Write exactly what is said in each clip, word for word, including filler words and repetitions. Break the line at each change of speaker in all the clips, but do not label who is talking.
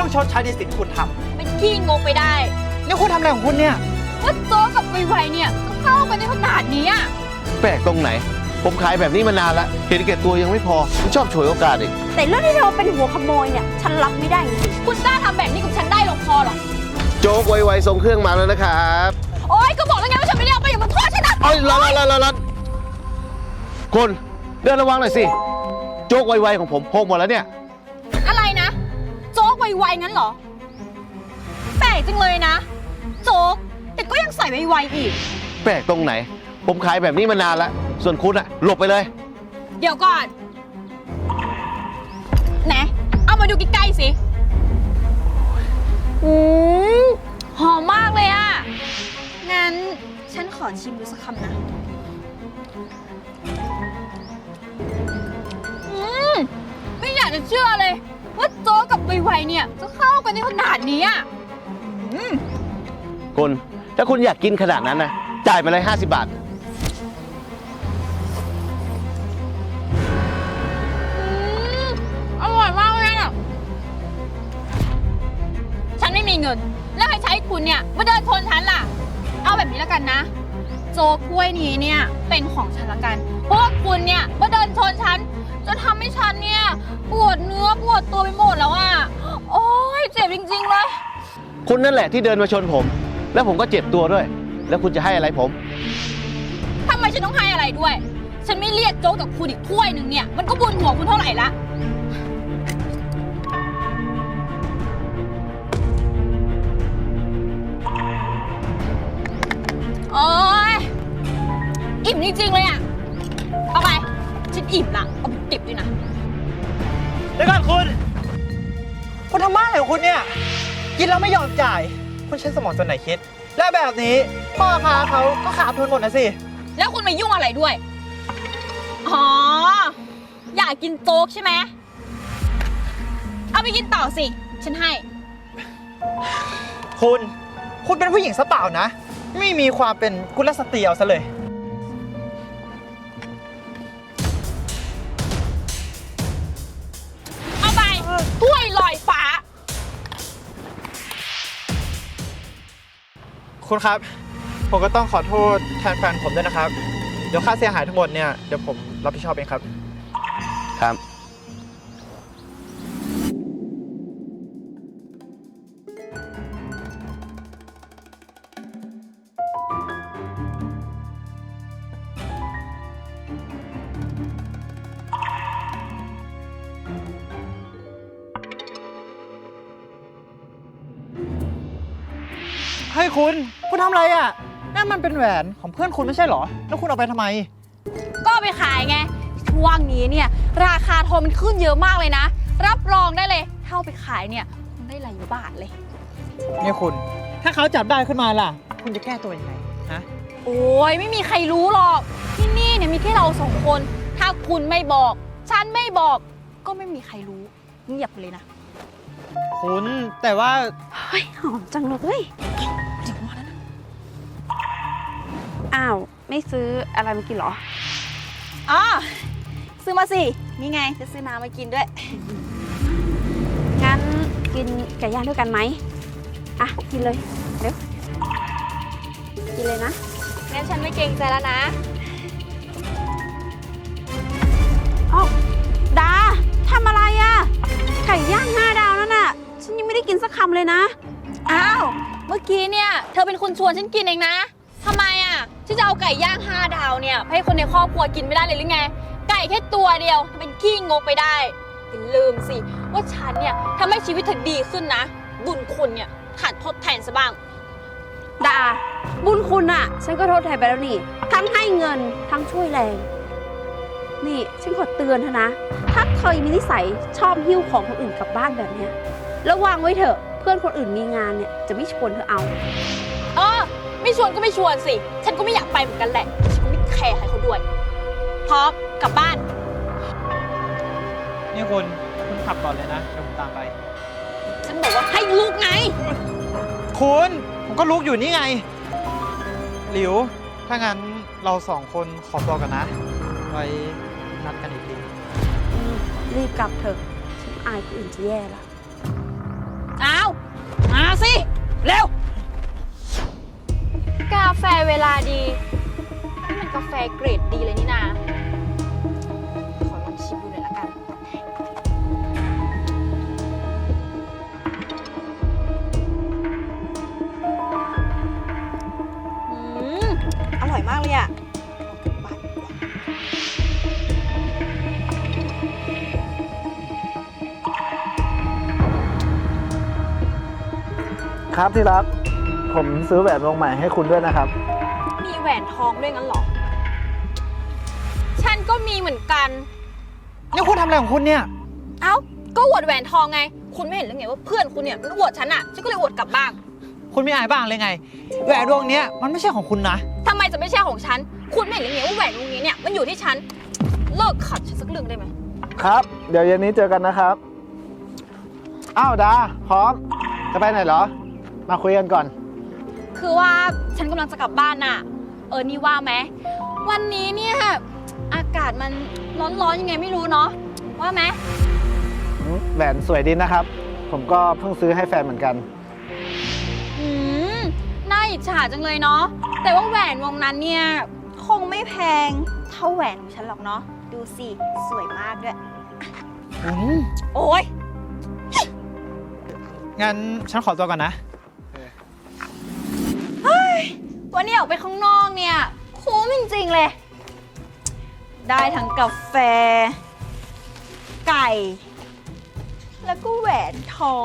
ต้องชดใช้ในสิ่งที่คุณทำ
เป็นขี้งกไปได้
นี่คุณทำอะไรของคุณเนี่ย
ว่าโจ๊กกับไวๆเนี่ยก็เข้ากันในขนาดนี้อ่ะ
แปลกตรงไหนผมขายแบบนี้มานานแล้วเห็นแก่ตัวยังไม่พอมันชอบฉวยโอกาสอีก
แต่เรื่องที่เธอเป็นหัวขโมยเนี่ยฉันรับไม่ได้จริง
คุณกล้าทำแบบนี้กับฉันได้ลงคอหรอ
โจ๊กไวๆส่งเครื่องมาแล้วนะครับ
โอ๊ยก็บอกแล้วไงว่าฉันไม่ได้เอาไปอย่ามาโทษฉันนะ
โอ๊ยรัดรัดรัดรัดคนเดินระวังหน่อยสิโจ๊กไวๆของผมหกหมดแล้วเนี่ย
อะไรนะโจ๊กไวๆงั้นเหรอแปลกจังเลยนะโจ๊กแต่ก็ยังใส่ไวๆอีก
แปลกตรงไหนผมขายแบบนี้มานานแล้วส่วนคุณอะหลบไปเลย
เดี๋ยวก่อนไหนเอามาดูใกล้ๆสิอืมหอมมากเลยอะงั้นฉันขอชิมดูสักคำนะอืมไม่อยากจะเชื่อเลยว่าโจ๊กกับไวๆเนี่ยจะเข้ากันในขนาดนี้อะ
คุณถ้าคุณอยากกินขนาดนั้นนะจ่ายไปเลยห้าสิบบาท
อร่อยมากเลยอ่ะฉันไม่มีเงินแล้วใครใช้คุณเนี่ยมาเดินชนฉันล่ะเอาแบบนี้แล้วกันนะโจ๊กกล้วยนี้เนี่ยเป็นของฉันละกันเพราะว่าคุณเนี่ยมาเดินชนฉันจนทำให้ฉันเนี่ยปวดเนื้อปวดตัวไปหมดแล้วอ่ะโอ๊ยเจ็บจริงๆเลย
คุณนั่นแหละที่เดินมาชนผมแล้วผมก็เจ็บตัวด้วยแล้วคุณจะให้อะไรผม
ทำไมฉันต้องให้อะไรด้วยฉันไม่เรียกโจ๊กจากคุณอีกถ้วยหนึ่งเนี่ยมันก็บุญหัวคุณเท่าไหร่ละโอ๊ยอิ่มจริงๆเลยอ่ะเอาไปฉันอิ่มละเอาไปเก็บด้วยนะ
เดี๋ยวก่อนคุณคุณทำบ้าอะไรของคุณเนี่ยกินแล้วไม่ยอมจ่ายคุณใช้สมองส่วนไหนคิดและแบบนี้พ่อค้าเขาก็ขาดทุนหมดนะสิ
แล้วคุณมายุ่งอะไรด้วยอ๋ออยากกินโจ๊กใช่ไหมเอาไปกินต่อสิฉันให้
คุณคุณเป็นผู้หญิงซะเปล่านะไม่มีความเป็นกุลสตรีเอาซะเลย
เอาไปถ้วยลอยฟ้า
คุณครับผมก็ต้องขอโทษแทนแฟนผมด้วยนะครับเดี๋ยวค่าเสียหายทั้งหมดเนี่ยเดี๋ยวผมรับผิดชอบเองครับ
ครับ
ให้คุณคุณทำอะไรอ่ะนั่นมันเป็นแหวนของเพื่อนคุณไม่ใช่เหรอแล้วคุณเอาไปทำไม
ก็ไปขายไงช่วงนี้เนี่ยราคาทองมันขึ้นเยอะมากเลยนะรับรองได้เลยถ้าเอาไปขายเนี่ยคุณได้หลายบาทเลย
นี่คุณถ้าเขาจับได้ขึ้นมาล่ะคุณจะแก้ตัวยังไงฮะ
โอ้ยไม่มีใครรู้หรอกที่นี่เนี่ยมีแค่เราสองคนถ้าคุณไม่บอกฉันไม่บอกก็ไม่มีใครรู้เงียบเลยนะ
คุณแต่ว่า
เฮ้ยหอมจังเลยอ้าวไม่ซื้ออะไรมากินเหรอ
อ๋อซื้อมาสินี่ไงจะซื้อน้ำมากินด้วย
งั้นกินไก่ย่างด้วยกันไหมอ่ะกินเลยเร็วกินเลยนะ
งั้นฉันไม่เกรงใจแล้วนะ
อ๋อดาทำอะไรอ่ะไก่ย่างห้าดาวนั่นน่ะฉันยังไม่ได้กินสักคำเลยนะ
อ้าวเมื่อกี้เนี่ยเธอเป็นคนชวนฉันกินเองนะทำไมอ่ะที่จะเอาไก่ย่างห้าดาวเนี่ยให้คนในครอบครัวกินไม่ได้เลยหรือไงไก่แค่ตัวเดียวเป็นขี้งกไปได้อย่าลืมสิว่าฉันเนี่ยทำให้ชีวิตเธอดีขึ้นนะบุญคุณเนี่ยขาดทดแทนซะบ้าง
ดาบุญคุณอ่ะฉันก็ทดแทนไปแล้วนี่ทั้งให้เงินทั้งช่วยแรงนี่ฉันขอเตือนเธอนะถ้าเธอมีนิสัยชอบหิ้วของคนอื่นกลับบ้านแบบเนี้ยระวังไว้เถอะเพื่อนคนอื่นมีงานเนี่ยจะไม่ชวนเธอเอา
เออไม่ชวนก็ไม่ชวนสิฉันก็ไม่อยากไปเหมือนกันแหละฉันก็ไม่แคร์ใครเขาด้วยพร้อมกลับบ้าน
นี่คุณคุณขับก่อนเลยนะเดี๋ยวผมตามไป
ฉันบอกว่าให้ลุกไง
คุณผมก็ลุกอยู่นี่ไงหลิวถ้างั้นเราสองคนขอตัวกันนะไว้นัดกันอีกที
รีบกลับเถอะฉันอายคนอื่นจะแย่ละ
อเร็ว กาแฟเวลาดีนี่มันกาแฟเกรดดีเลยนี่นาขอลองชิมดูหน่อยละกัน อืม อร่อยมากเลยอะเอากลับบ้านดีกว่า
ครับที่รัก ผมซื้อแหวนวงใหม่ให้คุณด้วยนะครับ
มีแหวนทองด้วยงั้นเหรอ ฉันก็มีเหมือนกัน
นี่คุณทำอะไรของคุณเนี่ย
เอ้า ก็อวดแหวนทองไง คุณไม่เห็นหรือไงว่าเพื่อนคุณเนี่ยมันอวดฉันอะฉันก็เลยอวดกลับบ้าง
คุณไม่อายบ้างเลยไง แหวนวงเนี้ยมันไม่ใช่ของคุณนะ
ทำไมจะไม่ใช่ของฉัน คุณไม่เห็นหรือไงว่าแหวนวงนี้เนี่ยมันอยู่ที่ฉัน เลิกขัดฉันสักเรื่องได้ไหม
ครับ เดี๋ยวเย็นนี้เจอกันนะครับ อ้าวดา พร้อม จะไปไหนเหรอ มาคุยกันก่อน
คือว่าฉันกำลังจะกลับบ้านน่ะ เออ นี่ว่าไหม วันนี้เนี่ยอากาศมันร้อนๆยังไงไม่รู้เนาะ ว่าไหม
แหวนสวยดีนะครับ ผมก็เพิ่งซื้อให้แฟนเหมือนกัน
อืม น่าอิจฉาจังเลยเนาะ แต่ว่าแหวนวงนั้นเนี่ยคงไม่แพงเท่าแหวนของฉันหรอกเนาะ ดูสิ สวยมากด้วย
อืม
โอ๊ย
งั้นฉันขอตัวก่อนนะ
วันนี้ออกไปข้างนอกเนี่ยคุ้มจริงๆเลย ได้ทั้งกาแฟ ไก่ แล้วก็แหวนทอง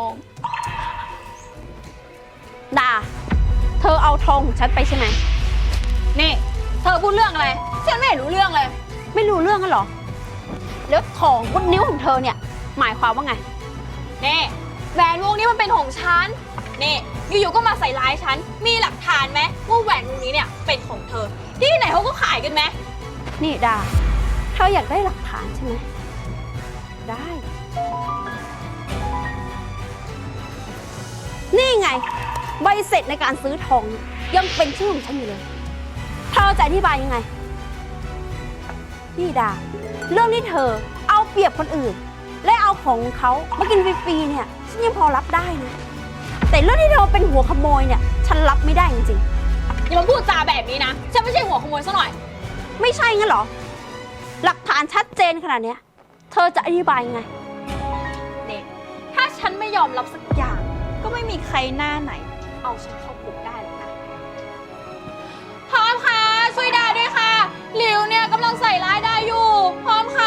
ดา เธอเอาทองของฉันไปใช่ไหม
นี่ เธอพูดเรื่องอะไร ฉันไม่เห็นรู้เรื่องเลย
ไม่รู้เรื่องกันเหรอ แล้วทองบนนิ้วของเธอเนี่ย หมายความว่าไง
นี่แหวนวงนี้มันเป็นของฉัน นี่อยู่ๆก็มาใส่ร้ายฉัน มีหลักฐานไหมว่าแหวนวงนี้เนี่ยเป็นของเธอ ที่ไหนเขาก็ขายกันไหม
นี่ดา เธออยากได้หลักฐานใช่ไหม ได้ นี่ไง ใบเสร็จในการซื้อทองเนี่ยยังเป็นชื่อของฉันอยู่เลย เธอจะอธิบายยังไง นี่ดา เรื่องที่เธอเอาเปรียบคนอื่น และเอาของเขามากินฟรีๆเนี่ยฉันยังพอรับได้นะ แต่เรื่องที่เธอเป็นหัวขโมยเนี่ยฉันรับไม่ได้จริง
อย่ามาพูดจาแบบนี้นะ ฉันไม่ใช่หัวขโมยซะหน่อย
ๆ ไม่ใช่งั้นเหรอ หลักฐานชัดเจนขนาดเนี้ยเธอจะอธิบายยังไง
นี่ถ้าฉันไม่ยอมรับสักอย่าง ก็ไม่มีใครหน้าไหน เอาฉันเข้าคุกได้หรอกนะพร้อมค่ะ ช่วยดาด้วยค่ะหลิวเนี่ยกำลังใส่ร้ายดาอยู่ พร้อมค่ะ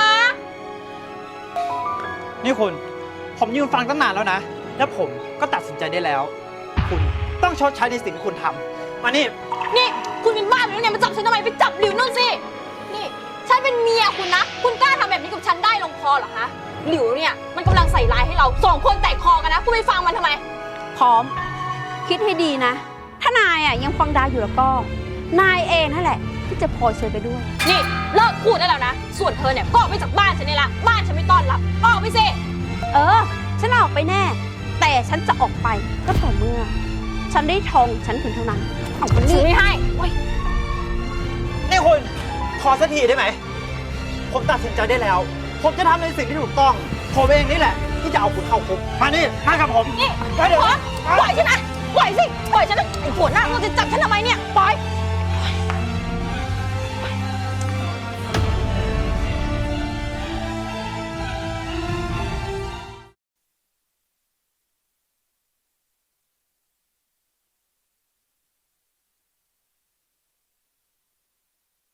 นี่คุณ ผมยืนฟังตั้งนานแล้วนะ แล้วผมก็ตัดสินใจได้แล้ว คุณต้องชดใช้ในสิ่งที่คุณทำมานี่
นี่คุณเป็นบ้าหรือไงมาจับฉันทำไมไปจับหลิวนู่นสิ นี่ฉันเป็นเมียคุณนะ คุณกล้าทำแบบนี้กับฉันได้ลงคอเหรอคะหลิวเนี่ยมันกำลังใส่ร้ายให้เราสองคนแตกคอกันนะ คุณไปฟังมันทำไม
พร้อม คิดให้ดีนะ ถ้านายอ่ะยังฟังดาอยู่แล้วก็ นายเองนั่นแหละ ที่จะพลอยซวยไปด้วย
นี่เลิกพูดได้แล้วนะ ส่วนเธอเนี่ยก็ออกไปจากบ้านฉันนี่ละบ้านฉันไม่ต้อนรับออกไปสิ
เออ ฉันออกไปแน่ แต่ฉันจะออกไปก็ต่อเมื่อ ฉันได้ทองฉันถึงเท่านั้นเอาไป
ซื้
นี่
อไม่ให้เว้ย
นี่คุณพอสักทีได้ไหม ผมตัดสินใจได้แล้ว ผมจะทำในสิ่งที่ถูกต้อง ผมเองนี่แหละ ที่จะเอาคุณเข้าคุก มานี่ มากับผม
นี่
ไปเดี๋ยว
ปล่อยฉันนะปล่อยสิ ปล่อยฉันนะไอ้หัวหน้าเราจะจับฉันทำไมเนี่ย ปล่อย